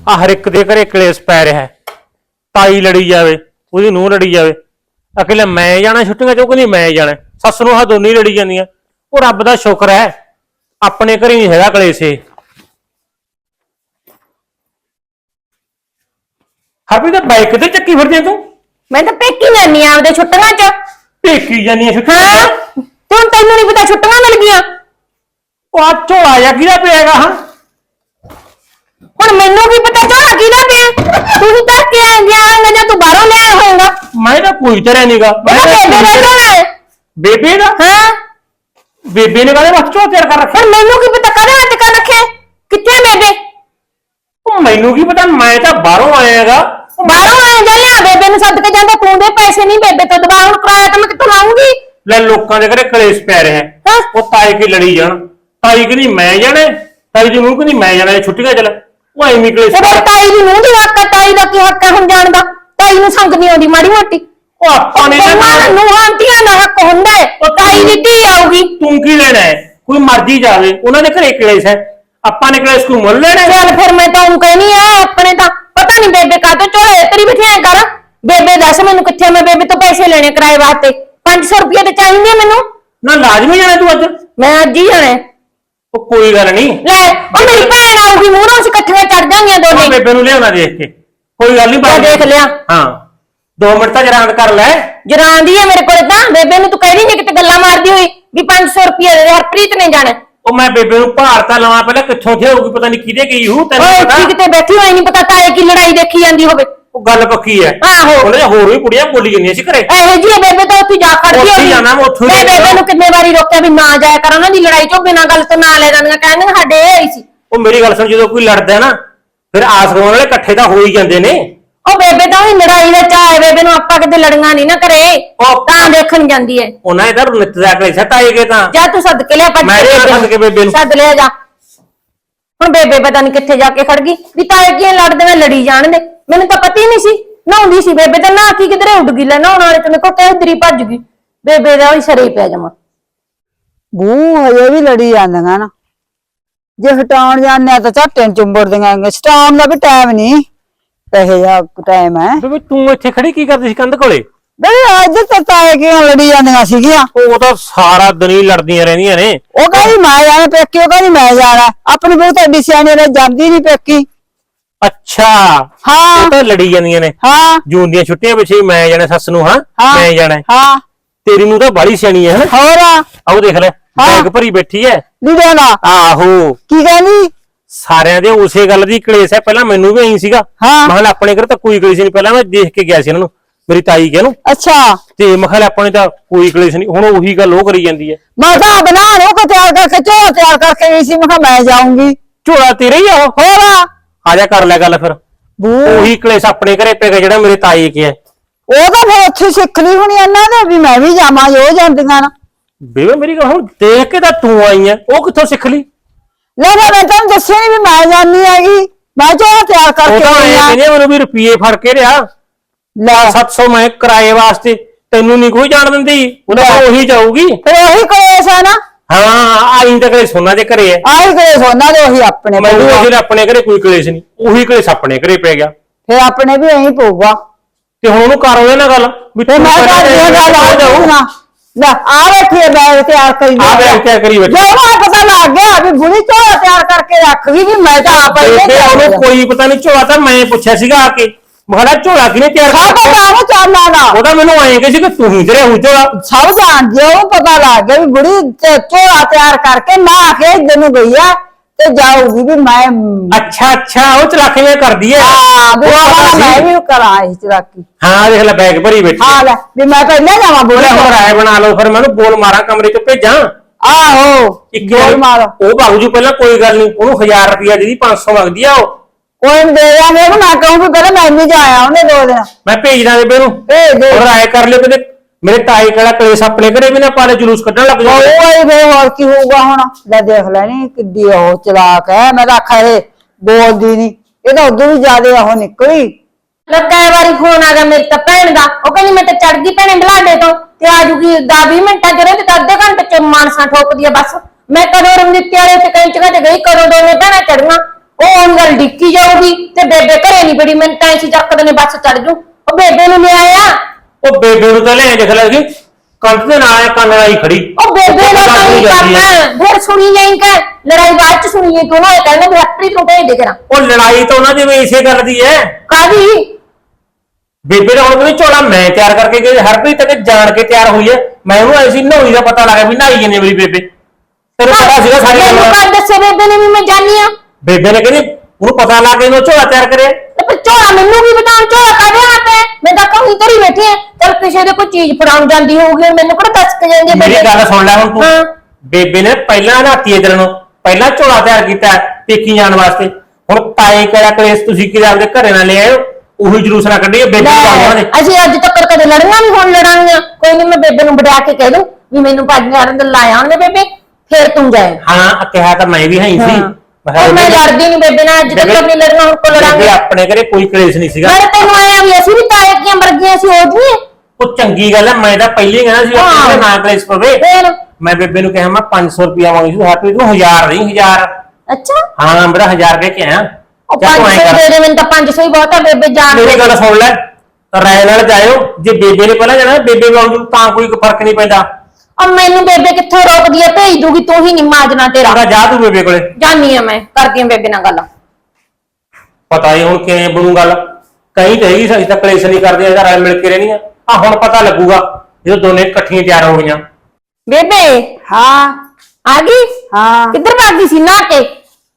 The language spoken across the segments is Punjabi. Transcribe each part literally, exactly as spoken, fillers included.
ਆ ਹਰ ਇੱਕ ਦੇ ਘਰੇ ਕਲੇਸ਼ ਪੈ ਰਿਹਾ ਹੈ। ਤਾਈ ਲੜੀ ਜਾਵੇ, ਉਹਦੀ ਨੂੰਹ ਲੜੀ ਜਾਵੇ, ਅਕਲੇ ਮੈਂ ਜਾਣਾ ਛੁੱਟੀਆਂ ਚ, ਉਹ ਕਹਿੰਦੀ ਮੈਂ ਜਾਣਾ। ਸੱਸ ਨੂੰ ਆਹ ਦੋਨੇ ਲੜੀ ਜਾਂਦੀਆਂ। ਉਹ ਰੱਬ ਦਾ ਸ਼ੁਕਰ ਹੈ ਆਪਣੇ ਘਰੇ ਨਹੀਂ ਹੈਗਾ ਕਲੇਸ਼। ਇਹ ਹਰਪ੍ਰੀਤ ਦਾ ਬਾਈਕ ਤੇ ਚੱਕੀ ਫਿਰਦੀ ਤੂੰ? ਮੈਂ ਤਾਂ ਪੇਕੀ ਜਾਨੀ ਆ ਆਪਦੇ ਛੁੱਟੀਆਂ ਚ। ਪੇਕੀ ਜਾਨੀ ਆ ਛੁੱਟੀਆਂ? ਤੇ ਹੁਣ ਤੈਨੂੰ ਨਹੀਂ ਪਤਾ ਛੁੱਟੀਆਂ ਮਿਲ ਗਈਆਂ? ਉਹ ਆ ਝੋਲਾ ਜਾਂ ਕਿਹਦਾ ਪਿਆਗਾ? ਹਾਂ ਹੁਣ ਮੈਨੂੰ ਕੀ ਪਤਾ ਝੋਲਾ ਕਿਹਦਾ ਪਿਆ? ਤੂੰ ਹੀ ਧਰ ਕੇ ਆਂਦੀਆਂ ਆਂਗਾ ਜਾਂ ਤੂੰ ਬਾਹਰੋਂ ਲਿਆ ਹੋਏਗਾ? ਮੈਂ ਤਾਂ ਕੋਈ ਤਰ੍ਹਾਂ ਨਹੀਂਗਾ। ਮੈਂ ਬੇਬੇ ਦਾ ਝੋਲਾ ਹੈ। ਬੇਬੇ ਦਾ? ਹਾਂ ਬੇਬੇ ਨੇ ਕਾਹਦੇ ਵਾਸਤੇ ਝੋਲਾ ਤਿਆਰ ਕਰ ਰੱਖਿਆ? ਹੁਣ ਮੈਨੂੰ ਕੀ ਪਤਾ ਕਾਹਦੇ ਹੱਥ ਕਰ ਰੱਖੇ? ਕਿੱਥੇ ਬੇਬੇ? ਉਹ ਮੈਨੂੰ ਕੀ ਪਤਾ, ਮੈਂ ਤਾਂ ਬਾਹਰੋਂ ਆਇਆਗਾ। ਬਾਹਰੋਂ ਆਏ ਜਾਂ ਲਿਆ ਬੇਬੇ ਨੂੰ ਸੱਦ ਕੇ ਜਾਂਦਾ। ਤੂੰ ਦੇ ਪੈਸੇ ਨਹੀਂ ਬੇਬੇ ਤੋਂ ਦਬਾ, ਹੁਣ ਕਿਰਾਇਆ ਤਾਂ ਮੈਂ ਕਿੱਥੋਂ ਲਾਉਂਗੀ? ਲੈ ਲੋਕਾਂ ਦੇ ਘਰੇ ਕਲੇਸ਼ ਪੈ ਰਿਹਾ ਹੈ। ਹਾਂ ਉਹ ਤਾਈ ਕੀ ਲੜੀ ਜਾਣ। ਤਾਈ ਕਹਿੰਦੀ ਮੈਂ ਜਾਣਾ, ਤਾਈ ਦੀ ਨੂੰਹ ਕਹਿੰਦੀ ਮੈਂ ਜਾਣਾ ਛੁੱਟੀਆਂ ਚੱਲ। ਉਹ ਐਵੇਂ ਕਲੇਸ਼ ਤੇ ਫਿਰ ਤਾਈ ਦੀ ਨੂੰਹ ਦੀ ਹੱਕ ਹੈ, ਤਾਈ ਦਾ ਕੀ ਹੱਕ ਹੈ ਹੁਣ ਜਾਣ ਦਾ? ਤਾਈ ਨੂੰ ਸੰਗ ਨਹੀਂ ਆਉਂਦੀ ਮਾੜੀ ਮੋਟੀ? ਉਹ ਆਪਾਂ ਨੇ ਨੂੰ ਆਂਟੀਆਂ ਦਾ ਹੱਕ ਹੁੰਦਾ ਹੈ। ਉਹ ਤਾਈ ਦੀ ਧੀ ਆਊਗੀ। ਤੂੰ ਕੀ ਲੈਣਾ ਹੈ? ਕੋਈ ਮਰਜ਼ੀ ਜਾਵੇ, ਉਹਨਾਂ ਦੇ ਘਰੇ ਕਲੇਸ਼ ਹੈ, ਆਪਾਂ ਨੇ ਕਲੇਸ਼ ਕੋਈ ਮੁੱਲ ਲੈਣਾ? ਚੱਲ ਫਿਰ ਮੈਂ ਤਾਂ ਉਹ ਕਹਿਨੀ ਆ ਆਪਣੇ ਤਾਂ ਪਤਾ ਨਹੀਂ ਬੇਬੇ ਕਾਹਤੋਂ ਝੋਲੇ ਤੇਰੀ ਬਿਠਿਆ ਕਰ। ਬੇਬੇ ਦੱਸ ਮੈਨੂੰ ਕਿੱਥੇ ਮੈਂ ਬੇਬੇ ਤੋਂ ਪੈਸੇ ਲੈਣੇ ਕਿਰਾਏ ਵਾਸਤੇ? ਪੰਜ ਸੌ ਰੁਪਏ ਤੇ ਚਾਹੀਦੇ ਮੈਨੂੰ। ਨਾ ਲਾਜ਼ਮੀ ਜਾਣਾ ਤੂੰ ਅੱਜ? ਮੈਂ ਅੱਜ ਹੀ ਜਾਣਾ। ਉਹ ਕੋਈ ਗੱਲ ਨਹੀਂ, ਲੈ ਉਹ ਮੇਰੀ ਭੈਣ ਆਊਗੀ, ਮੂਹਰੋਂ ਅਸੀਂ ਇਕੱਠੀਆਂ ਚੜ ਜਾਾਂਗੀਆਂ ਦੋਨੇ। ਬੇਬੇ ਨੂੰ ਲਿਆਉਣਾ ਦੇਖ ਕੇ। ਕੋਈ ਗੱਲ ਨਹੀਂ, ਮੈਂ ਦੇਖ ਲਿਆ। ਹਾਂ ਦੋ ਮਿੰਟ ਤਾਂ ਜਰਾਂਦ ਕਰ ਲੈ। ਜਰਾਂਦੀ ਹੈ ਮੇਰੇ ਕੋਲ ਤਾਂ। ਬੇਬੇ ਨੂੰ ਤੂੰ ਕਹਿ ਰਹੀ ਜੇ ਕਿਤੇ ਗੱਲਾਂ ਮਾਰਦੀ ਹੋਈ ਵੀ ਪੰਜ ਸੌ ਰੁਪਏ ਦੇ ਹਰਪ੍ਰੀਤ ਨੇ ਜਾਣਾ। ਉਹ ਮੈਂ ਬੇਬੇ ਨੂੰ ਭਾਰ ਤਾਂ ਲਵਾਂ ਪਹਿਲਾਂ, ਕਿੱਥੋਂ ਥੇ ਹੋਊਗੀ ਪਤਾ ਨਹੀਂ ਕਿਹਦੇ ਗਈ ਹੂ। ਤੈਨੂੰ ਓਏ ਪਤਾ ਕਿਤੇ ਬੈਠੀ ਹੋਈ ਨਹੀਂ ਪਤਾ ਤਾਏ ਕੀ ਲੜਾਈ ਦੇਖੀ ਜਾਂਦੀ ਹੋਵੇ। ਉਹ ਗੱਲ ਪੱਕੀ ਹੈ। ਆਹੋ ਉਹਨੇ ਹੋਰ ਵੀ ਕੁੜੀਆਂ ਬੋਲੀ ਜਾਂਦੀਆਂ ਸੀ ਘਰੇ। ਇਹੋ ਜੀ ਬੇਬੇ ਤਾਂ ਉੱਥੇ ਜਾ ਖੜਦੀ ਉੱਥੇ ਹੋਈ। ਜਾਣਾ, ਮੈਂ ਉੱਥੋਂ ਹੀ ਮੈਂ ਬੇਬੇ ਨੂੰ ਕਿੰਨੇ ਵਾਰੀ ਰੋਕਿਆ ਵੀ ਨਾ ਜਾਇਆ ਕਰ ਉਹਨਾਂ ਦੀ ਲੜਾਈ ਚੋਂ, ਬਿਨਾਂ ਗੱਲ ਤੋਂ ਨਾ ਲੈ ਜਾਂਦੀਆਂ। ਕਹਿੰਦੇ ਸਾਡੇ ਇਹ ਆਈ ਸੀ। ਉਹ ਮੇਰੀ ਗੱਲ ਸੁਣ, ਜਦੋਂ ਕੋਈ ਲੜਦਾ ਨਾ ਫਿਰ ਆਸ ਗਵਾਉਣ ਵਾਲੇ ਇਕੱਠੇ ਤਾਂ ਹੋ ਹੀ ਜਾਂਦੇ ਨੇ। ਉਹ ਬੇਬੇ ਤਾਂ ਉਹਦੀ ਲੜਾਈ ਵਿੱਚ ਆਏ। ਬੇਬੇ ਨੂੰ ਆਪਾਂ ਕਿਤੇ ਲੜੀਆਂ ਨਹੀਂ ਨਾ ਕਰੇ, ਉਹ ਤਾਂ ਦੇਖਣ ਜਾਂਦੀ ਹੈ। ਉਹਨਾਂ ਇਹਦਾ ਨਿੱਤ ਦਾ ਕਲੇਸ਼ ਤਾਏ ਕੇ ਤਾਂ। ਜਾ ਤੂੰ ਸੱਦ ਕੇ ਲਿਆ ਭੱਜ ਮੈਂ ਕੇ ਸੱਦ ਕੇ ਬੇਬੇ ਨੂੰ। ਸੱਦ ਲਿਆ ਜਾ। ਹੁਣ ਬੇਬੇ ਪਤਾ ਨਹੀਂ ਕਿੱਥੇ ਜਾ ਕੇ ਖੜ ਗਈ ਵੀ ਤਾਏ ਕੀ ਲੜਦੇ ਮੈਂ ਲੜੀ ਜਾਣ ਦੇ। ਮੈਨੂੰ ਤਾਂ ਪਤਾ ਹੀ ਨਹੀਂ ਸੀ। ਨਹਾਉਂਦੀ ਸੀ ਬੇਬੇ ਤਾਂ ਨਹਾ ਕੇ ਕਿਧਰੇ ਉੱਡ ਗਈ। ਲੈ ਨਹਾਉਣ ਵਾਲੇ ਤੇ ਮੇਰੇ ਕੋਲ ਤੇ ਉਧਰੀ ਭੱਜ ਗਈ। ਬੇਬੇ ਦਾ ਹੀ ਸਰੇ ਪਿਆ ਜਮਾ। ਬੂ ਹਜੇ ਵੀ ਲੜੀ ਜਾਂਦੀਆਂ ਨਾ। ਜੇ ਹਟਾਉਣ ਜਾਂਦੇ ਆ ਤਾਂ ਝੱਟੇ ਚੁੰਬੜਦੀਆਂ। ਹਟਾਉਣ ਦਾ ਵੀ ਟਾਈਮ ਨਹੀਂ, ਕਹੇ ਜਾ ਟਾਈਮ ਹੈ। ਬੇਬੇ ਤੂੰ ਇੱਥੇ ਖੜੀ ਕੀ ਕਰਦੀ ਸੀ ਕੰਧ ਕੋਲੇ? ਬਈ ਅੱਜ ਤਾਂ ਤਾਏ ਕਿਉਂ ਲੜੀ ਜਾਂਦੀਆਂ ਸੀਗੀਆਂ? ਉਹ ਤਾਂ ਸਾਰਾ ਦਿਨ ਹੀ ਲੜਦੀਆਂ ਰਹਿੰਦੀਆਂ ਨੇ। ਉਹ ਕਹਿੰਦੀ ਮੈਂ ਜਾਣਾ ਪੇਕੀ, ਉਹ ਕਹਿੰਦੀ ਮੈਂ ਜਾਣਾ। ਆਪਣੀ ਬਹੂ ਤਾਂ ਐਡੀ ਸਿਆਣੀ ਨੇ, ਜਾਂਦੀ ਨਹੀਂ ਪੇਕੀ। ਅੱਛਾ ਹਾਂ ਉਹ ਤਾਂ ਲੜੀ ਜਾਂਦੀਆਂ ਨੇ। ਹਾਂ ਜੂਨ ਦੀਆਂ ਛੁੱਟੀਆਂ ਪਿੱਛੇ ਮੈਂ ਜਾਣਾ ਸੱਸ ਨੂੰ। ਹਾਂ ਮੈਂ ਜਾਣਾ। ਹਾਂ ਤੇਰੀ ਨੂੰ ਤਾਂ ਬਾਹਲੀ ਸਿਆਣੀ ਹੈ। ਹੋਰ ਆਓ ਦੇਖ ਲੈ ਬੈਗ ਭਰੀ ਬੈਠੀ ਹੈ। ਲੀਡਿਆ ਨਾ ਆਹੋ ਕੀ ਕਹਿੰਦੀ? ਸਾਰਿਆਂ ਦੇ ਉਸੇ ਗੱਲ ਦੀ ਕਲੇਸ਼ ਹੈ। ਪਹਿਲਾਂ ਮੈਨੂੰ ਵੀ ਐਂ ਸੀਗਾ। ਹਾਂ ਮੈਂ ਆਪਣੇ ਘਰ ਤਾਂ ਕੋਈ ਕਲੇਸ਼ ਨਹੀਂ। ਪਹਿਲਾਂ ਮੈਂ ਦੇਖ ਕੇ ਗਿਆ ਸੀ ਇਹਨਾਂ ਨੂੰ, ਮੇਰੀ ਤਾਈ ਕੇ ਨੂੰ। ਅੱਛਾ ਤੇ ਮੈਂ ਕਿਹਾ ਆਪਣੇ ਤਾਂ ਕੋਈ ਕਲੇਸ਼ ਨਹੀਂ। ਹੁਣ ਉਹੀ ਗੱਲ ਉਹ ਕਰੀ ਜਾਂਦੀ ਹੈ। ਮੈਂ ਤਾਂ ਬਣਾ ਲੋ ਕੋ ਤਿਆਰ ਕਰਕੇ ਝੋਲਾ ਤਿਆਰ ਕਰਕੇ ਗਈ ਸੀ। ਮੈਂ ਕਿਹਾ ਮੈਂ ਜਾਊਂਗੀ। ਝੋਲਾ ਤੇਰਾ ਹੀ ਆ ਉਹ? ਹੋਰ ਆ ਜਾ ਕਰ ਲੈ ਗੱਲ ਫਿਰ। ਬੂ ਉਹੀ ਕਲੇਸ਼ ਆਪਣੇ ਘਰੇ ਪੈ ਗਿਆ ਜਿਹੜਾ ਮੇਰੇ ਤਾਈ ਕੇ ਹੈ। ਉਹ ਤਾਂ ਫਿਰ ਉੱਥੇ ਸਿੱਖ ਲਈ ਹੋਣੀ ਇਹਨਾਂ ਦੇ ਵੀ ਮੈਂ ਵੀ ਜਾਵਾਂ ਜੋ ਜਾਂਦੀਆਂ ਨਾ। ਬੇਬੇ ਮੇਰੀ ਗੱਲ ਹੁਣ ਦੇਖ ਕੇ ਤਾਂ ਤੂੰ ਆਈ ਹੈ, ਉਹ ਕਿੱਥੋਂ ਸਿੱਖ ਲਈ? ਲੈ ਫਿਰ ਮੈਂ ਤੁਹਾਨੂੰ ਦੱਸਿਆ ਨੀ ਵੀ ਮੈਂ ਜਾਣੀ ਹੈਗੀ। ਮੈਂ ਝੋਲਾ ਤਿਆਰ ਉਹ ਕਰਕੇ ਤਾਂ ਗਈ ਐਂ ਆ। ਕਹਿੰਦੇ ਮੈਨੂੰ ਵੀ ਰੁਪਏ ਫੜ ਕੇ ਲਿਆ ਲੈ ਸੱਤ ਸੌ ਮੈਂ ਕਿਰਾਏ ਵਾਸਤੇ। ਤੈਨੂੰ ਨਹੀਂ ਕੋਈ ਜਾਣ ਦਿੰਦੀ, ਉਹਦਾ ਉਹੀ ਜਾਊਗੀ। ਫਿਰ ਉਹੀ ਕਲੇਸ਼ ਹੈ ਨਾ। ਹਾਂ ਆਈ ਤਾਂ ਕਲੇਸ਼ ਉਹਨਾਂ ਦੇ ਘਰੇ ਹੈ। ਆਹੀ ਕਲੇਸ਼ ਉਹਨਾਂ ਦੇ, ਉਹੀ ਆਪਣੇ ਮੈਨੂੰ ਪਊਗਾ। ਉਹਦੇ ਆਪਣੇ ਘਰੇ ਕੋਈ ਕਲੇਸ਼ ਨਹੀਂ, ਉਹੀ ਕਲੇਸ਼ ਆਪਣੇ ਘਰੇ ਪੈ ਗਿਆ। ਫਿਰ ਆਪਣੇ ਵੀ ਇਹੀ ਪਊਗਾ। ਤੇ ਹੁਣ ਉਹਨੂੰ ਕਰ ਉਹਦੇ ਨਾਲ ਗੱਲ ਵੀ ਫਿਰ ਤੂੰ ਮੈਂ ਪਹਿਲਾਂ ਕਰਦੀ ਹਾਂ ਗੱਲ ਆ ਜਾਊ। ਜਾਊ। ਲੈ ਆ ਬੈਠੀ ਹੈ ਬੈਗ ਤਿਆਰ ਕਰੀ। ਆ ਬੈਗ ਤਿਆਰ ਕਰੀ ਬੈਠੀ। ਜਦੋਂ ਪਤਾ ਲੱਗ ਗਿਆ ਵੀ ਬੁੜੀ ਝੋਲਾ ਤਿਆਰ ਕਰਕੇ ਰੱਖ ਗਈ ਵੀ ਮੈਂ ਤਾਂ ਆਪ ਹੀ ਬੇਬੇ ਉਹਨੂੰ ਕੋਈ ਪਤਾ ਨਹੀਂ। ਝੋਲਾ ਤਾਂ ਮੈਂ ਪੁੱਛਿਆ ਸੀਗਾ ਆ ਕੇ, ਮੈਂ ਕਿਹਾ ਝੋਲਾ ਕਿਹਨੇ ਤਿਆਰ ਸਭ ਕੀਤਾ? ਪਤਾ ਉਹ ਚਾਲਾਂ ਦਾ ਉਹਦਾ ਮੈਨੂੰ ਐਂ ਕਿ ਸੀ ਕਿ ਤੂੰ ਹੀ ਤੇਰੇ ਹੋ ਝੋਲਾ। ਸਭ ਜਾਣਦੇ ਆ, ਉਹ ਪਤਾ ਲੱਗ ਗਿਆ ਵੀ ਬੁੜੀ ਝ- ਝੋਲਾ ਤਿਆਰ ਕਰਕੇ ਨਾ ਕੇ ਇੱਧਰ ਨੂੰ ਗਈ ਆ ਤੇ ਜਾਊਗੀ ਵੀ ਮੈਂ। ਅੱਛਾ ਅੱਛਾ ਉਹ ਚਲਾਕੀਆਂ ਕਰਦੀ ਹੈ। ਹਾਂ ਵੀ ਉਹ ਪਤਾ ਉਹ ਸੀ। ਮੈਂ ਵੀ ਕਰਾਂ ਇਸ ਚਲਾਕੀ। ਹਾਂ ਦੇਖ ਲੈ ਬੈਗ ਭਰੀ ਬੈਠੀ ਹਾਂ ਲੈ ਵੀ ਮੈਂ ਪਹਿਲਾਂ ਜਾਵਾਂ ਬੁੜੀ ਬੋਲੇ ਹੁਣ ਰਾਏ ਬਣਾ ਲਓ ਫਿਰ। ਮੈਨੂੰ ਬੋਲ ਮਾਰਾਂ ਕਮਰੇ ਚ ਭੇਜਾਂ। ਆਹੋ ਇੱਕ ਜੋਰ ਮਾਰ। ਉਹ ਬਾਬੂ ਜੀ ਪਹਿਲਾਂ ਕੋਈ ਗੱਲ ਨਹੀਂ, ਉਹਨੂੰ ਹਜ਼ਾਰ ਰੁਪਇਆ ਜਿਹਦੀ ਪੰਜ ਸੌ ਮੰਗਦੀ ਆ ਉਹ। ਕੋਈ ਨੀ ਦੇ ਜਾਗੇ ਉਹਨੂੰ। ਮੈਂ ਕਹੂੰ ਵੀ ਪਹਿਲਾਂ ਮੈਂ ਨਹੀਂ ਜਾਇਆ ਉਹਨੇ ਦੋ ਦਿਨ। ਮੈਂ ਭੇਜਦਾ ਬੇਬੇ ਨੂੰ। ਭੇਜ ਦੇ। ਹੋਰ ਰਾਏ ਕਰ ਲਿਓ ਕਿਤੇ ਮੇਰੇ ਤਾਏ ਕਿਹੜਾ ਕਲੇਸ਼ ਆਪਣੇ ਘਰੇ ਵੀ ਨਾ ਪਾਲੇ, ਜਲੂਸ ਕੱਢਣ ਲੱਗ ਜਾਓ। ਉਹ ਹੀ ਫੇਰ ਹੋਰ ਕੀ ਹੋਊਗਾ ਹੁਣ? ਲੈ ਦੇਖ ਲੈਣੀ ਕਿੱਡੀ ਉਹ ਚਲਾਕ ਹੈ। ਮੈਂ ਤਾਂ ਆਖਿਆ ਇਹ ਬੋਲਦੀ ਨਹੀਂ, ਇਹ ਤਾਂ ਉਦੋਂ ਵੀ ਜ਼ਿਆਦਾ ਉਹ ਨਿਕਲੀ। ਲੱਗਾ ਵਾਰੀ ਫੋਨ ਆ ਗਿਆ ਮੇਰੀ ਤਾਂ ਭੈਣ ਦਾ। ਉਹ ਕਹਿੰਦੀ ਮੈਂ ਤਾਂ ਚੜ ਗਈ ਭੈਣੇ ਬਲਾਡੇ ਤੋਂ ਤੇ ਆ ਜੂਗੀ ਦਸ ਵੀਹ ਮਿੰਟਾਂ ਚ। ਰਹਿੰਦੇ ਤਾਂ ਅੱਧੇ ਘੰਟੇ ਚ ਮਾਨਸਾ ਠੋਕਦੀ ਆ ਬਸ। ਮੈਂ ਕਦੋਂ ਰਮਨੀਤੀ ਵਾਲੇ ਤੇ ਕੈਂਚੀਆਂ ਤੇ ਗਈ, ਕਦੋਂ ਦੋਨੇ ਭੈਣਾਂ ਚੜੀਆਂ। ਉਹ ਹੁਣ ਗੱਲ ਡਿੱਕੀ ਜਾਊਗੀ ਤੇ ਬੇਬੇ ਘਰੇ ਨਹੀਂ ਬੜੀ ਮੈਨੂੰ ਤਾਂ ਐਸੀ ਚੱਕਦੇ ਨੇ ਬੱਸ ਚੜ ਜੂ ਉਹ ਬੇਬੇ ਨੂੰ ਲੈ ਆਇਆ ਉਹ ਬੇਬੇ ਨੂੰ ਤਾਂ ਲੈ ਦੇਖ ਲੈ ਸੀ ਕੰਧ ਦੇ ਨਾਲ ਕੰਨ ਨਾਲ ਹੀ ਖੜੀ ਉਹ ਬੇਬੇ ਦਾ ਗੱਲ ਕੀ ਨਹੀਂ ਕਰਦੀ ਕਰਨਾ ਹੈ। ਫਿਰ ਸੁਣੀ ਜਾਈਂ ਕਿ ਲੜਾਈ ਬਾਅਦ ਚ ਸੁਣੀ ਜਾਈਂ ਤੂੰ ਨਾ ਇਹ ਕਹਿੰਦਾ ਵੀ ਹਰਪ੍ਰੀਤ ਨੂੰ ਭੇਜ ਦੇ ਕਰਾਂ ਉਹ ਲੜਾਈ ਤਾਂ ਉਹਨਾਂ ਦੀ ਵੀ ਇਸੇ ਗੱਲ ਦੀ ਹੈ। ਕਾਦੀ ਬੇਬੇ ਦਾ ਹੁਣ ਕੋਈ ਝੋਲਾ ਮੈਂ ਤਿਆਰ ਕਰਕੇ ਗਈ ਹਰਪ੍ਰੀਤ ਤੱਕ ਜਾਣ ਕੇ ਤਿਆਰ ਹੋਈ ਹੈ ਮੈਂ ਉਹਨੂੰ ਐਸੀ ਨਹਾਉਣੀ ਦਾ ਪਤਾ ਲੱਗਾ ਵੀ ਨਹਾਈ ਜਾਂਦੀ ਮੇਰੀ ਬੇਬੇ ਤੈਨੂੰ ਪਤਾ ਸੀਗਾ ਸਾਰੀ ਮੈਨੂੰ ਗੱਲ ਕਦ ਦੱਸੇ ਬੇਬੇ ਨੇ ਵੀ ਮੈਂ ਜਾਣੀ ਆ ਬੇਬੇ ਨੇ ਕਹਿੰਦੀ ਉਹਨੂੰ ਪਤਾ ਲੱਗ ਗਿਆ ਉਹਨੂੰ ਝੋਲਾ ਤਿਆਰ ਕਰਿਆ ਤੇ ਫਿਰ ਝੋਲਾ ਮੈਨੂੰ ਵੀ ਬਤਾਉਂ ਝੋਲਾ ਕਾਹਦੇ ਹੱਥ ਹੈ ਮੈਂ ਤਾਂ ਕਹੂੰ ਤੇਰੀ ਬੈਠੀ ਹੈ ਚਲ ਕਿਸੇ ਦੇ ਕੋਈ ਚੀਜ਼ ਫੜਾਉਣ ਜਾਂਦੀ ਹੋਊਗੀ ਮੈਨੂੰ ਕਿਹੜਾ ਦੱਸ ਕੇ ਜਾਂਦੀ ਹੈ ਮੇਰੀ ਬੇਬੇ? ਗੱਲ ਸੁਣ ਲੈ ਹੁਣ ਤੂੰ ਹਾਂ। ਬੇਬੇ ਨੇ ਪਹਿਲਾਂ ਨਹਾਤੀ ਇਧਰ ਨੂੰ ਪਹਿਲਾਂ ਝੋਲਾ ਤਿਆਰ ਕੀਤਾ ਪੇਕੀ ਜਾਣ ਵਾਸਤੇ ਹੁਣ ਤਾਏ ਕਿਹੜਾ ਕਲੇਸ਼ ਤੁਸੀਂ ਕਿਹਦੇ ਆਪਦੇ ਘਰੇ ਨਾਲ ਲੈ ਆਇਓ ਉਹੀ ਜਲੂਸ ਨਾ ਕੱਢੀਏ ਬੇਬੇ ਨੂੰ ਪਾਉਣਾ ਨੇ ਅਸੀਂ ਅੱਜ ਤੱਕ ਕਦੇ ਲੜੀਆਂ ਨਹੀਂ ਹੁਣ ਲੜਾਂਗੀਆਂ ਕੋਈ ਨਹੀਂ ਮੈਂ ਬੇਬੇ ਨੂੰ ਬਿਠਾ ਕੇ ਕਹਿ ਦੂੰ ਵੀ ਮੈਨੂੰ ਪੰਜ ਹਜ਼ਾਰ ਦਾ ਲਾਇਆ ਉਹਨੇ ਬੇਬੇ ਫਿਰ ਤੂੰ ਜਾਏ ਹਾਂ ਕਿਹਾ ਤਾਂ ਮੈਂ ਵੀ ਹਾਂ ਸੀ ਮੈਂ ਕਿਹਾ ਔਰ ਮੈਂ ਬੇਬੇ- ਲੜਦੀ ਨਹੀਂ ਬੇਬੇ ਨਾਲ ਅੱਜ ਤੱਕ ਬੇਬੇ- ਨਹੀਂ ਲੜਨਾ ਹੁਣ ਕੋ ਬੇਬੇ ਲੜਾਂਗੇ ਆਪਣੇ ਘਰੇ ਕੋਈ ਕਲੇਸ਼ ਨਹੀਂ ਸੀਗਾ ਮੈਂ ਤੈਨੂੰ ਆਇਆ ਵੀ ਅਸੀਂ ਵੀ ਤਾਏ ਕੀਆਂ ਵਰਗੀਆਂ ਸੀ ਉਹ ਜੀ ਉਹ ਚੰਗੀ ਗੱਲ ਹੈ ਮੈਂ ਤਾਂ ਪਹਿਲੇ ਹੀ ਕਹਿਣਾ ਸੀ ਹਾਂ। ਆਪਣੇ ਨਾ ਕਲੇਸ਼ ਪਵੇ ਫਿਰ ਮੈਂ ਬੇਬੇ ਨੂੰ ਕਿਹਾ ਮੈਂ ਪੰਜ ਸੌ ਰੁਪਇਆ ਮੰਗੀ ਸੀ ਹੈਪੀ ਨੂੰ ਹਜ਼ਾਰ ਨਹੀਂ ਹਜ਼ਾਰ ਅੱਛਾ ਹਾਂ ਮੇਰਾ ਹਜ਼ਾਰ ਕਹਿ ਕੇ ਆਇਆ ਉਹ ਚੱਲ ਤੂੰ ਪੰਜ ਐਂ ਸੌ ਕਰ। ਦੇ ਦੇ ਮੈਨੂੰ ਤਾਂ ਪੰਜ ਸੌ ਹੀ ਬਹੁਤ ਆ ਬੇਬੇ ਜਾਣ ਮੇਰੀ ਗੱਲ ਸੁਣ ਲੈ ਰਾਏ ਨਾਲ ਜਾਇਓ ਜੇ ਬੇਬੇ ਨੇ ਪਹਿਲਾਂ ਜਾਣਾ ਬੇਬੇ ਵਾਂਗੂ ਤਾਂ ਕੋਈ ਫਰਕ ਨਹੀਂ ਪੈਂਦਾ ਔਰ ਮੈਨੂੰ ਬੇਬੇ ਕਿੱਥੋਂ ਰੋਕਦੀ ਆ ਭੇਜ ਦੂਗੀ ਤੂੰ ਹੀ ਨਹੀਂ ਮਾਜਣਾ ਤੇਰਾ ਆਗਾ ਜਾ ਤੂੰ ਬੇਬੇ ਕੋਲੇ ਜਾਨੀ ਆ ਮੈਂ ਕਰਦੀ ਆ ਬੇਬੇ ਨਾਲ ਗੱਲ ਪਤਾ ਨਹੀਂ ਹੁਣ ਕਿਵੇਂ ਬਣੂ ਗੱਲ ਕहीं ਕਹੇਗੀ ਸੱਚ ਤਾਂ ਕਲੇਸ਼ ਨਹੀਂ ਕਰਦੇ ਇਹਦਾ ਰਲ ਮਿਲ ਕੇ ਰਹਿਣੀਆਂ ਆ ਹੁਣ ਪਤਾ ਲੱਗੂਗਾ ਜਦੋਂ ਦੋਨੇ ਇਕੱਠੀਆਂ ਤਿਆਰ ਹੋ ਗਈਆਂ ਬੇਬੇ ਹਾਂ ਆ ਗਈ ਹਾਂ ਕਿੱਧਰ ਭਾਗੀ ਸੀ ਨਾ ਕੇ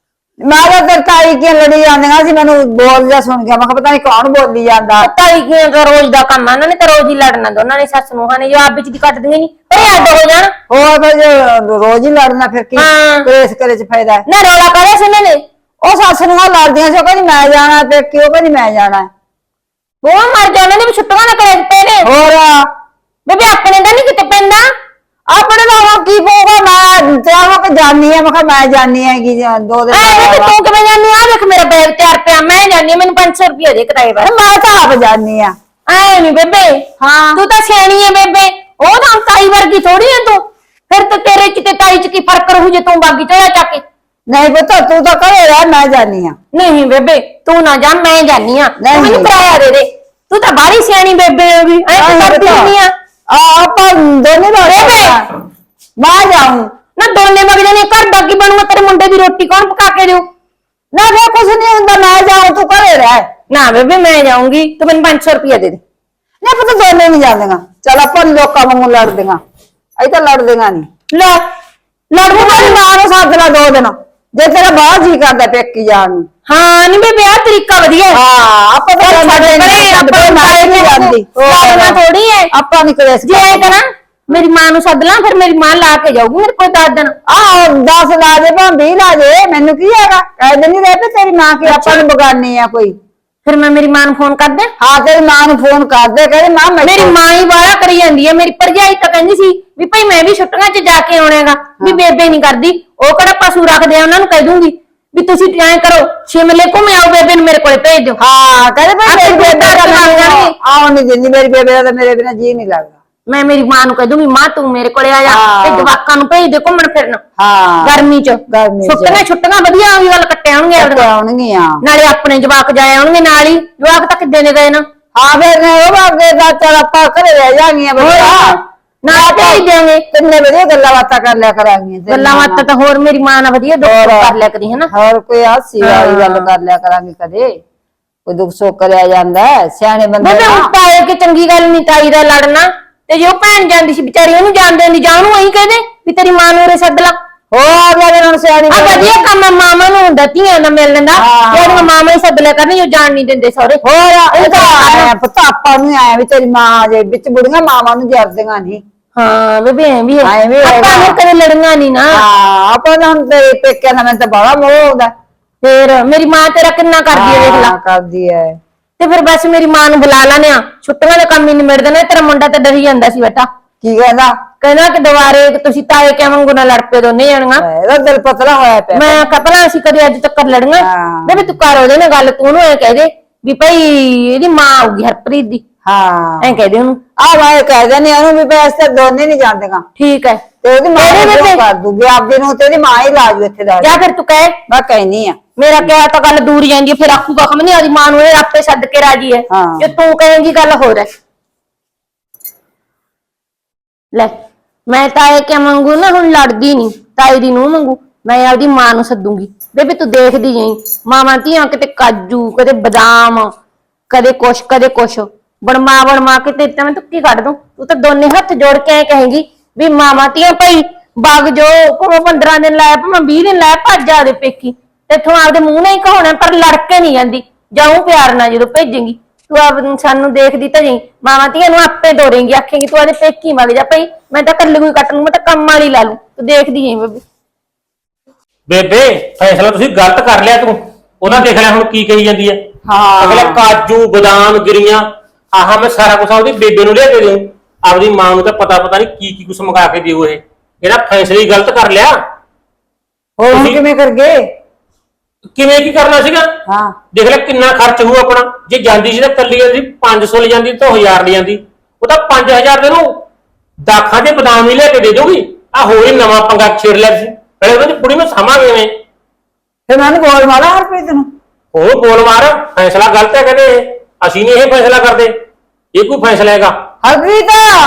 ਮੈਂ ਤਾਂ ਤੇਰੇ ਤਾਈ ਕੀ ਲੜੀ ਜਾਂਦੀਆਂ ਸੀ ਮੈਨੂੰ ਬੋਲ ਜਾ ਸੁਣ ਗਿਆ ਮੈਂ ਕਿਹਾ ਪਤਾ ਨਹੀਂ ਕੌਣ ਬੋਲੀ ਜਾਂਦਾ ਪਤਾ ਹੀ ਕੀ ਦਾ ਰੋਜ਼ ਦਾ ਕੰਮ ਆ ਉਹਨਾਂ ਨੇ ਤਾਂ ਰੋਜ਼ ਹੀ ਲੜਨਾ ਦੋਨਾਂ ਨੇ ਸੱਸ ਨੂੰਹਾਂ ਨੇ ਜਵਾਬ ਵਿੱਚ ਦੀ ਕੱਟਦੀਆਂ ਨਹੀਂ ਅਰੇ ਅੱਡ ਹੋ ਜਾਣ ਹੋਰ ਫਿਰ ਜੇ ਰੋਜ਼ ਹੀ ਲੜਨਾ ਫਿਰ ਕੀ ਹਾਂ। ਕੇਸ ਕਰੇ ਚ ਫਾਇਦਾ ਹੈ ਨਾ ਰੋਲਾ ਕਰਿਆ ਸੀ ਇਹਨਾਂ ਨੇ ਉਹ ਸੱਸ ਨੂੰ ਲੜਦੀਆਂ ਸੀ ਉਹ ਕਹਿੰਦੀ ਮੈਂ ਜਾਣਾ ਤੇ ਕਿਉਂ ਕਹਿੰਦੀ ਮੈਂ ਜਾਣਾ ਉਹ ਮਰ ਜਾਣੇ ਨੇ ਵੀ ਛੁੱਟੀਆਂ ਨਾ ਕਰੇ ਪਏ ਨੇ ਹੋਰ ਬੇਬੇ ਆਪਣੇ ਦਾ ਨਹੀਂ ਕਿਤੇ ਪੈਂਦਾ ਆਪਣੇ ਦਾ ਹੁਣ ਕੀ ਪਊਗਾ ਮੈਂ ਤੇ ਆਵਾਂ ਕਿ ਜਾਨੀ ਆ ਮੈਂ ਕਿਹਾ ਮੈਂ ਜਾਨੀ ਆ ਕਿ ਦੋ ਦਿਨ ਐ ਵੇ ਬਾਅਦ। ਤੂੰ ਕਿਵੇਂ ਜਾਨੀ ਆ ਵੇਖ ਮੇਰਾ ਬੈਗ ਤਿਆਰ ਪਿਆ ਮੈਂ ਜਾਨੀ ਆ ਮੈਨੂੰ ਪੰਜ ਸੌ ਰੁਪਏ ਦੇ ਕਿਰਾਏ ਪਰ ਮੈਂ ਤਾਂ ਆਪ ਜਾਨੀ ਆ ਐ ਨਹੀਂ ਬੇਬੇ ਹਾਂ ਤੂੰ ਤਾਂ ਸਿਆਣੀ ਐ ਬੇਬੇ ਉਹ ਤਾਂ ਤਾਈ ਵਰਗੀ ਥੋੜੀ ਐ ਤੂੰ ਫਿਰ ਤੇ ਤੇਰੇ ਚ ਤੇ ਤਾਈ ਚ ਕੀ ਫਰਕ ਰਹੂ ਜੇ ਤੂੰ ਬਾਗੀ ਚੜਾ ਚੱਕ ਕੇ ਨਹੀਂ ਪਤਾ ਤੂੰ ਤਾਂ ਘਰੇ ਰਹਿ ਮੈਂ ਜਾਨੀ ਆ ਨਹੀਂ ਬੇਬੇ ਤੂੰ ਨਾ ਜਾ ਮੈਂ ਜਾਨੀ ਆ ਨਹੀਂ। ਤੂੰ ਮੈਨੂੰ ਕਿਰਾਇਆ ਦੇ ਦੇ ਤੂੰ ਤਾਂ ਬਾਹਲੀ ਸਿਆਣੀ ਬੇਬੇ ਹੋ ਗਈ ਐ ਨਹੀਂ ਕਰਦੀ ਪਤਾ। ਹੁੰਦੀ ਆ ਆ ਆਪਾਂ ਦੋਨੇ ਦਾ ਬੇਬੇ। ਮੈਂ ਜਾਊਂ ਨਾ ਦੋਨੇ ਮਗ ਜਾਨੇ ਘਰ ਦਾ ਕੀ ਬਣੂਗਾ ਤੇਰੇ ਮੁੰਡੇ ਦੀ ਰੋਟੀ ਕੌਣ ਪਕਾ ਕੇ ਦੇਊ ਨਾ ਫਿਰ ਕੁਝ ਨਹੀਂ ਹੁੰਦਾ ਮੈਂ ਜਾਊਂ ਤੂੰ ਘਰੇ ਰਹਿ ਨਾ ਬੇਬੇ ਮੈਂ ਜਾਊਂਗੀ ਤੂੰ ਮੈਨੂੰ ਪੰਜ ਸੌ ਰੁਪਏ ਦੇ ਦੇ ਨਾ ਪਤਾ ਦੋਨੇ ਨਹੀਂ ਜਾਂਦੀਆਂ ਚਲ ਆਪਾਂ ਲੋਕਾਂ ਵਾਂਗੂ ਲੜਦੀਆਂ ਅਈ ਤਾਂ ਲੜਦੀਆਂ ਨਹੀਂ ਲੈ ਲੜੂ ਮੇਰੀ ਮਾਂ ਨੂੰ ਸੱਦ ਲਾ ਦੋ ਦਿਨ ਜੇ ਤੇਰਾ ਬਾਹਰ ਜੀ ਕਰਦਾ ਪੇਕੀ ਜਾਣ ਨੂੰ ਹਾਂ ਨਹੀਂ ਬੇਬੇ ਆ ਤਰੀਕਾ ਵਧੀਆ ਹੈ। ਹਾਂ ਆਪਾਂ ਤਾਂ ਚੱਲ ਸਾਡੇ ਪਰੇ, ਨਹੀਂ ਆਪਾਂ ਆਪਾਂ ਸਾਰੇ ਨਹੀਂ ਜਾਂਦੀ ਲੜਨਾ ਥੋੜੀ ਹੈ ਆਪਾਂ ਨਹੀਂ ਕਲੇਸ਼ ਜੇ ਐ ਕਰਾਂ ਮੇਰੀ ਮਾਂ ਨੂੰ ਸੱਦ ਲਾਂ ਫਿਰ ਮੇਰੀ ਮਾਂ ਲਾ ਕੇ ਜਾਊਗੀ ਮੇਰੇ ਕੋਲ ਦਸ ਦਿਨ ਆਹ ਦਸ ਲਾ ਦੇ ਭਾਂ ਵੀਹ ਲਾ ਦੇ ਮੈਨੂੰ ਕੀ ਹੈਗਾ ਕਹਿੰਦੇ ਨਹੀਂ ਰਹਿ ਪਈ ਤੇਰੀ ਮਾਂ ਕੀ ਆਪਾਂ ਨੂੰ ਬਗਾਨੀ ਆ ਕੋਈ ਫਿਰ ਮੈਂ ਮੇਰੀ ਮਾਂ ਨੂੰ ਫੋਨ ਕਰ ਦਿਆਂ ਹਾਂ ਤੇਰੀ ਮਾਂ ਨੂੰ ਫੋਨ ਕਰਦੇ ਕਹਿੰਦੇ ਮਾਂ ਮੈਂ ਮੇਰੀ ਮਾਂ ਹੀ ਬਾਹਲਾ ਕਰੀ ਜਾਂਦੀ ਹੈ ਮੇਰੀ ਭਰਜਾਈ ਤਾਂ ਕਹਿੰਦੀ ਸੀ ਵੀ ਭਾਈ ਮੈਂ ਵੀ ਛੁੱਟੀਆਂ 'ਚ ਜਾ ਕੇ ਆਉਣਾਗਾ ਵੀ ਬੇਬੇ ਨਹੀਂ ਕਰਦੀ ਉਹ ਕਿਹੜਾ ਪਸ਼ੂ ਰੱਖਦੇ ਆ ਉਹਨਾਂ ਨੂੰ ਕਹਿ ਦੂੰਗੀ ਵੀ ਤੁਸੀਂ ਐਂ ਕਰੋ ਸ਼ਿਮਲੇ ਘੁੰਮ ਆਓ ਬੇਬੇ ਨੂੰ ਮੇਰੇ ਕੋਲੇ ਭੇਜ ਦਿਓ ਹਾਂ ਕਹਿੰਦੇ ਭਾਈ ਆਪੇ ਮੇਰੀ ਬੇਬੇ ਦਾ ਘਰ ਲੱਗ ਜਾਣਗੇ। ਆਉਣ ਨਹੀਂ ਦਿੰਦੀ ਮੇਰੀ ਬੇਬੇ ਦਾ ਤਾਂ ਮੇਰੇ ਬਿਨਾ ਜੀ ਨਹੀਂ ਲੱਗਦਾ ਮੈਂ ਮੇਰੀ ਮਾਂ ਨੂੰ ਕਹਿ ਦੂੰਗੀ ਮਾਂ ਤੂੰ ਮੇਰੇ ਕੋਲੇ ਆ ਜਾ ਹਾਂ। ਤੇ ਜਵਾਕਾਂ ਨੂੰ ਭੇਜ ਦੇ ਘੁੰਮਣ ਫਿਰਨ ਹਾਂ ਗਰਮੀ 'ਚ ਗਰਮੀ ਚ। ਛੁੱਟੀਆਂ ਛੁੱਟੀਆਂ ਵਧੀਆ ਉਹੀ ਗੱਲ ਕੱਟੇ ਆਉਣਗੇ ਤੇ ਆਪਣੀਆਂ। ਆਉਣਗੀਆਂ ਨਾਲੇ ਆਪਣੇ ਜਵਾਕ ਜਾਏ ਆਉਣਗੇ ਨਾਲ ਹੀ ਜਵਾਕ ਤਾਂ ਕਿੱਦੇ ਨੇ ਗਏ ਨਾ ਹਾਂ ਫਿਰ ਨੇ ਉਹ ਬਾਗੇ ਦਾ ਚਲ ਆਪਾਂ ਘਰੇ ਰਹਿ ਜਾਣਗੀਆਂ ਬੱਚਾ ਨਾਲ ਭੇਜ ਦਿਆਂਗੇ ਕਿੰਨੇ ਵਧੀਆ ਗੱਲਾਂ ਬਾਤਾਂ ਕਰ ਲਿਆ ਕਰਾਂਗੀਆਂ ਤੇਰੀ ਗੱਲਾਂ ਮਾਂ ਬਾਤਾਂ ਤਾਂ ਹੋਰ ਮੇਰੀ ਮਾਂ ਨਾਲ ਵਧੀਆ ਦੁੱਖ ਸੁੱਖ ਕਰ ਲਿਆ ਕਰੀ ਹਨਾ ਹੋਰ ਕੋਈ ਹਾਸੀ ਵਾਲੀ ਗੱਲ ਕਰ ਲਿਆ ਕਰਾਂਗੇ ਕਦੇ ਕੋਈ ਦੁੱਖ ਸੁੱਖ ਕਰਿਆ ਜਾਂਦਾ ਹੈ, ਸਿਆਣੇ ਬੰਦੇ ਬੇਬੇ ਨਾਲ। ਹੁਣ ਤਾਏ ਕਿ ਚੰਗੀ ਗੱਲ ਨਹੀਂ ਤਾਈ ਦਾ ਲੜਨਾ ਤੇ ਜੇ ਉਹ ਭੈਣ ਜਾਂਦੀ ਸੀ ਵਿਚਾਰੀ ਉਹਨੂੰ ਜਾਣਦੇ ਹੁੰਦੀ ਜਾਂ ਉਹਨੂੰ ਐਂ ਕਹਦੇ ਵੀ ਤੇਰੀ ਮਾਂ ਨੂੰ ਉਰੇ ਸੱਦ ਲਾ ਹੋਰ ਲੱਗਦਾ ਹੁਣ ਸਿਆਣੀ ਆ ਬੰਦੇ ਵਧੀਆ ਕੰਮ ਆ, ਮਾਮਾ ਨੂੰ ਹੁੰਦਾ ਧੀਆਂ ਦਾ ਮਿਲ ਲੈਂਦਾ ਹਾਂ। ਜਿਹੜੀਆਂ ਮਾਮਾ ਹੀ ਸੱਦ ਲਿਆ ਕਰਨੀ ਉਹ ਜਾਣ ਨਹੀਂ ਦਿੰਦੇ ਸਹੁਰੇ ਹੋਰ ਇਹ ਤਾਂ ਆਇਆ ਪਤਾ ਆਪਾਂ ਨੂੰ ਆਇਆ ਵੀ ਤੇਰੀ ਮਾਂ ਆ ਜੇ ਵਿੱਚ ਬੁੜੀਆਂ ਮਾਵਾਂ ਨੂੰ ਜਰਦੀਆਂ ਨਹੀਂ ਹਾਂ ਬੇਬੇ ਐਂ ਵੀ ਹੈ ਐਂ ਵੀ ਹੈਗਾ। ਆਪਾਂ ਨੇ ਕਦੇ ਲੜੀਆਂ ਨਹੀਂ ਨਾ ਹਾਂ ਆਪਾਂ ਤਾਂ ਹੁਣ ਤੇਰੇ ਪੇਕਿਆਂ ਦਾ ਮੈਨੂੰ ਤਾਂ ਬੜਾ ਮੋਹ ਆਉਂਦਾ ਫੇਰ ਮੇਰੀ ਮਾਂ ਤੇਰਾ ਕਿੰਨਾ ਕਰਦੀ ਹੈ ਵੇਖ ਲਾ ਹਾਂ, ਕਰਦੀ ਹੈ ਤੇ ਫਿਰ ਬਸ ਮੇਰੀ ਮਾਂ ਨੂੰ ਬੁਲਾ ਲੈਣੇ ਆ ਛੁੱਟੀਆਂ ਦਾ ਕੰਮ ਹੀ ਨਿਮੜ ਦੇਣਾ ਤੇਰਾ ਮੁੰਡਾ ਤਾਂ ਡਰੀ ਜਾਂਦਾ ਸੀ ਬੇਟਾ ਕੀ ਕਹਿੰਦਾ ਕਹਿੰਦਾ ਕਿ ਦੁਬਾਰੇ ਕਿ ਤੁਸੀਂ ਤਾਏ ਕਿਵੇਂ ਵਾਂਗੂ ਨਾ ਲੜ ਪਏ ਦੋਨੇ ਜਾਣੀਆਂ ਇਹਦਾ ਦਿਲ ਪਤਲਾ ਹੋਇਆ ਪਿਆ ਮੈਂ ਕਪੜਾ ਅਸੀਂ ਕਦੇ ਅੱਜ ਤੱਕ ਲੜੀਆਂ ਹਾਂ। ਬੇਬੇ ਤੂੰ ਕਰ ਉਹਦੇ ਨਾਲ ਗੱਲ ਤੂੰ ਉਹਨੂੰ ਐ ਕਹਿ ਦੇ ਵੀ ਭਾਈ ਇਹਦੀ ਮਾਂ ਆਊਗੀ ਹਰਪ੍ਰੀਤ ਦੀ ਹਾਂ ਐ ਕਹਿ ਦੇ ਉਹਨੂੰ ਆ ਮੈਂ ਕਹਿ ਦਿੰਦੀ ਉਹਨੂੰ ਵੀ ਬਸ ਤਾਂ ਦੋਨੇ ਨਹੀਂ ਜਾਂਦੀਆਂ ਠੀਕ ਹੈ ਤੇ ਉਹਦੀ ਮਾਂ ਮੇਰੇ ਨੂੰ ਬੇਬੇ। ਕਰ ਦੂਗੀ ਆਪਦੇ ਨੂੰ ਤੇ ਉਹਦੀ ਮਾਂ ਹੀ ਲਾ ਜੂ ਇੱਥੇ ਦਾ ਜਾਂ ਫਿਰ ਤੂੰ ਕਹਿ ਮੈਂ ਕਹਿਨੀ ਆ ਮੇਰਾ ਕਿਹਾ ਤਾਂ ਗੱਲ ਦੂਰ ਜਾਂਦੀ ਹੈ ਫਿਰ ਆਖੂਗਾ ਖਮ ਨਹੀਂ ਆਦੀ ਮਾਂ ਨੂੰ ਇਹ ਆਪੇ ਛੱਡ ਕੇ ਰਾਜੀ ਹੈ ਹਾਂ। ਜੇ ਤੂੰ ਕਹੇਂਗੀ ਗੱਲ ਹੋਰ ਹੈ ਲੈ ਮੈਂ ਤਾਏ ਕਿਆ ਮੰਗੂ ਨਾ ਹੁਣ ਲੜਦੀ ਨਹੀਂ ਤਾਈ ਦੀ ਨੂੰ ਮੰਗੂ ਮੈਂ ਆਪਦੀ ਮਾਂ ਨੂੰ ਸੱਦੂਗੀ ਬੇਬੇ ਤੂੰ ਦੇਖਦੀ ਜਾਈਂ ਮਾਵਾਂ ਧੀਆਂ ਕਿਤੇ ਕਾਜੂ ਕਦੇ ਬਦਾਮ ਕਦੇ ਕੁਛ ਕਦੇ ਕੁਛ ਬਣਮਾ ਬਣਮਾ ਕੇ ਤੇ ਤਾਂ ਮੈਂ ਤੁੱਕੀ ਕੱਢ ਦੂੰ ਤੂੰ ਤਾਂ ਦੋਨੇ ਹੱਥ ਜੋੜ ਕੇ ਐ ਕਹੇਂਗੀ ਵੀ ਮਾਵਾਂ ਧੀਆਂ ਭਾਈ ਵਗ ਜੋ ਭਾਵੇਂ ਪੰਦਰਾਂ ਦਿਨ ਲਾਇਆ ਭਾਵੇਂ ਵੀਹ ਦਿਨ ਲਾਇਆ ਭੱਜ ਜਾ ਦੇ ਪੇਕੀ ਤੇਥੋਂ ਆਪਦੇ ਮੂੰਹ ਨਾਲ ਹੀ ਕਹਾਉਣਾ ਪਰ ਲੜ ਕੇ ਨਹੀਂ ਜਾਂਦੀ ਜਾਊਂ ਪਿਆਰ ਨਾਲ ਜਦੋਂ ਭੇਜੇਂਗੀ ਤੂੰ ਆਪ ਸਾਨੂੰ ਦੇਖਦੀ ਤਾਂ ਜਾਈਂ ਮਾਵਾਂ ਧੀਆਂ ਨੂੰ ਆਪੇ ਦੋਰੇਂਗੀ ਆਖੇਂਗੀ ਤੂੰ ਆਦੇ ਪੇਕੀ ਵਗ ਜਾ ਭਾਈ ਮੈਂ ਤਾਂ ਕੱਲੀ ਕੋਈ ਕੱਟ ਲੂੰ ਮੈਂ ਤਾਂ ਕੰਮ ਵਾਲੀ ਲਾ ਲੂੰ ਤੂੰ ਦੇਖਦੀ ਜਾਈਂ ਬੇਬੇ ਬੇਬੇ ਫੈਸਲਾ ਤੁਸੀਂ ਗਲਤ ਕਰ ਲਿਆ ਤੂੰ ਉਹਦਾ ਦੇਖ ਲੈ ਹੁਣ ਕੀ ਕਹੀ ਜਾਂਦੀ ਹੈ ਹਾਂ। ਅਗਲੇ ਕਾਜੂ ਬਦਾਮ ਗਿਰੀਆਂ ਆਹ ਮੈਂ ਸਾਰਾ ਕੁਝ ਉਹਦੀ ਬੇਬੇ ਨੂੰ ਲਿਆ ਕੇ ਦੇਉ ਆਪਦੀ ਮਾਂ ਨੂੰ ਤਾਂ ਪਤਾ ਪਤਾ ਨਹੀਂ ਕੀ ਕੀ ਕੁਝ ਮੰਗਾ ਕੇ ਦਿਓ ਇਹ ਇਹਦਾ ਫੈਸਲਾ ਹੀ ਗਲਤ ਕਰ ਲਿਆ ਹੋਰ ਹੁਣ ਤੁਸੀਂ- ਕਿਵੇਂ ਕਰ ਗਏ ਕਿਵੇਂ ਕੀ ਕਰਨਾ ਸੀਗਾ ਹਾਂ ਦੇਖ ਲੈ ਕਿੰਨਾ ਖਰਚ ਹੋਊ ਆਪਣਾ ਜੇ ਜਾਂਦੀ ਸੀ ਤਾਂ ਕੱਲੀ ਜਾਂਦੀ ਪੰਜ ਸੌ ਲੈ ਜਾਂਦੀ ਤਾਂ ਹਜ਼ਾਰ ਲੈ ਜਾਂਦੀ ਉਹ ਤਾਂ ਪੰਜ ਹਜ਼ਾਰ ਦੇ ਨੂੰ ਦਾਖਾਂ ਦੇ ਬਦਾਮ ਹੀ ਲੈ ਕੇ ਦੇ ਦੋਗੀ ਆ ਹੋਰ ਹੀ ਨਵਾਂ ਪੰਗਾ ਛੇੜ ਲਿਆ ਸੀ ਪਹਿਲੇ ਉਹਦੀ ਕੁੜੀ ਨੂੰ ਸਾਂਭਾਂਗੇ ਕਿਵੇਂ ਫਿਰ ਮੈਨੂੰ ਬੋਲ ਮਾਰਾ ਹਰਪ੍ਰੀਤ ਨੂੰ ਉਹ ਬੋਲ ਮਾਰ ਫੈਸਲਾ ਗਲਤ ਹੈ ਕਹਿੰਦੇ ਇਹ। ਅਸੀਂ ਨਹੀਂ ਇਹ ਫੈਸਲਾ ਕਰਦੇ ਇਹ ਕੋਈ ਫੈਸਲਾ ਹੈਗਾ ਹਰਪ੍ਰੀਤ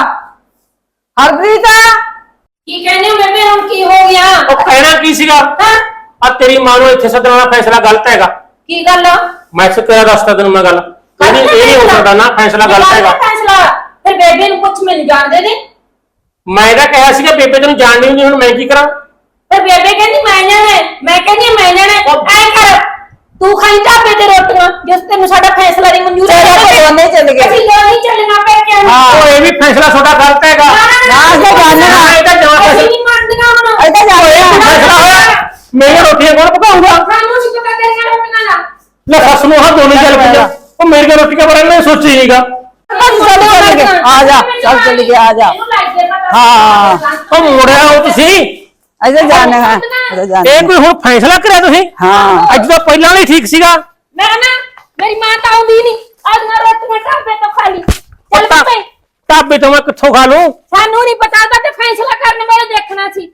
ਹਰਪ੍ਰੀਤ ਕੀ ਕਹਿੰਦੇ ਹੋ ਬੇਬੇ ਹੁਣ ਕੀ ਹੋ ਗਿਆ ਉਹ ਕਹਿਣਾ ਕੀ ਸੀਗਾ ਆ ਤੇਰੀ ਮਾਂ ਨੂੰ ਇੱਥੇ ਸੱਦਣ ਵਾਲਾ ਫੈਸਲਾ ਗਲਤ ਹੈਗਾ ਕੀ ਗੱਲ ਮੈਂ ਸਿੱਧਾ ਤੇਰਾ ਦੱਸਦਾ ਤੈਨੂੰ ਮੈਂ ਗੱਲ ਕਹਿੰਦੀ ਇਹ ਨਹੀਂ ਹੋ ਸਕਦਾ ਨਾ ਫੈਸਲਾ ਗਲਤ ਹੈਗਾ ਫੈਸਲਾ ਫਿਰ ਬੇਬੇ ਨੂੰ ਪੁੱਛ ਮੈਨੂੰ ਜਾਣਦੇ ਨੇ ਮੈਂ ਤਾਂ ਕਿਹਾ ਸੀਗਾ ਬੇਬੇ ਤੈਨੂੰ ਜਾਣ ਨਹੀਂ ਹੁੰਦੀ ਹੁਣ ਮੈਂ ਕੀ ਕਰਾਂ ਫਿਰ ਬੇਬੇ ਕਹਿੰਦੀ ਮੈਂ ਜਾਣਾ ਮੈਂ ਕਹਿੰਦੀ ਮੈਂ ਜਾਣਾ ਐ ਕਰ ਤੂੰ ਖਾਈ ਢਾਬੇ ਤੇ ਰੋਟੀਆਂ ਜਿਸ ਤੈਨੂੰ ਸਾਡਾ ਫੈਸਲਾ ਨਹੀਂ ਮਨਜ਼ੂਰ ਚਲੋ ਆਪਾਂ ਦੋਨੇ ਚੱਲ ਗਏ। ਅਸੀਂ ਦੋਨੇ ਚੱਲਣਾ ਪੈ ਕੇ ਹਾਂ। ਉਹ ਇਹ ਵੀ ਫੈਸਲਾ ਤੁਹਾਡਾ ਗਲਤ ਹੈਗਾ ਨਾ ਅਸੀਂ ਜਾਣਨਾ ਇਹ ਤਾਂ ਜਵਾਬ ਅਸੀਂ ਨਹੀਂ ਮੰਨਦੀਆਂ ਹੁਣ ਅਜੇ ਤਾਂ ਜਾ ਇਹ ਕੋਈ ਫੈਸਲਾ ਹੋਇਆ ਮੇਰੀਆਂ ਰੋਟੀਆਂ ਕੌਣ ਪਕਾਊਗਾ ਸਾਨੂੰ ਸੀ ਪਤਾ ਤੇਰੀਆਂ ਰੋਟੀਆਂ ਦਾ ਲੈ ਸੱਸ ਨੂੰ ਹਾਂ ਦੋਨੇ ਚੱਲ ਪਈਆਂ ਉਹ ਮੇਰੀਆਂ ਰੋਟੀਆਂ ਬਾਰੇ ਮੈਂ ਸੋਚੀ ਨਹੀਂਗਾ ਚੱਲ ਚੱਲ ਗਏ ਆ ਜਾ ਚੱਲ ਚੱਲ ਗਏ ਆ ਜਾ ਇਹਨੂੰ ਲੱਗ ਗਿਆ ਪਤਾ ਹਾਂ। ਉਹ ਮੋੜਿਆ ਹੋ ਤੁਸੀਂ ਅਜੇ ਜਾਣਾ ਹੈ ਅਜੇ ਜਾਣਾ ਇਹ ਕੋਈ ਹੁਣ ਫੈਸਲਾ ਕਰਿਆ ਤੁਸੀਂ ਹਾਂ। ਅੱਜ ਤਾਂ ਪਹਿਲਾਂ ਵਾਲੀ ਠੀਕ ਸੀਗਾ ਮੈਂ ਨਾ ਮੇਰੀ ਮਾਂ ਤਾਂ ਆਉਂਦੀ ਨਹੀਂ ਅੱਜ ਨਾ ਰੋਟੀਆਂ ਢਾਬੇ ਤੋਂ ਖਾ ਲਈ ਚੱਲ ਢਾ- ਪਏ ਢਾਬੇ ਤੋਂ ਮੈਂ ਕਿੱਥੋਂ ਖਾ ਲੂੰ ਸਾਨੂੰ ਨਹੀਂ ਪਤਾ ਤਾਂ ਤੇ ਫੈਸਲਾ ਕਰਨ ਵੇਲੇ ਦੇਖਣਾ ਸੀ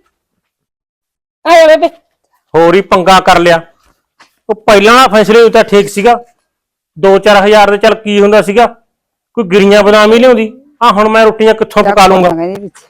ਆਏ ਬੇਬੇ ਹੋਰ ਹੀ ਪੰਗਾ ਕਰ ਲਿਆ ਉਹ ਪਹਿਲਾਂ ਵਾਲਾ ਫੈਸਲੇ ਤਾਂ ਠੀਕ ਸੀਗਾ ਦੋ ਚਾਰ ਹਜ਼ਾਰ ਦੇ ਚੱਲ ਕੀ ਹੁੰਦਾ ਸੀਗਾ ਕੋਈ ਗਿਰੀਆਂ ਬਦਾਮ ਹੀ ਲਿਆਉਂਦੀ ਆ ਹੁਣ ਮੈਂ ਰੋਟੀਆਂ ਕਿੱਥੋਂ ਪਕਾ ਲੂੰਗਾ ਇਹਦੇ ਵਿੱਚ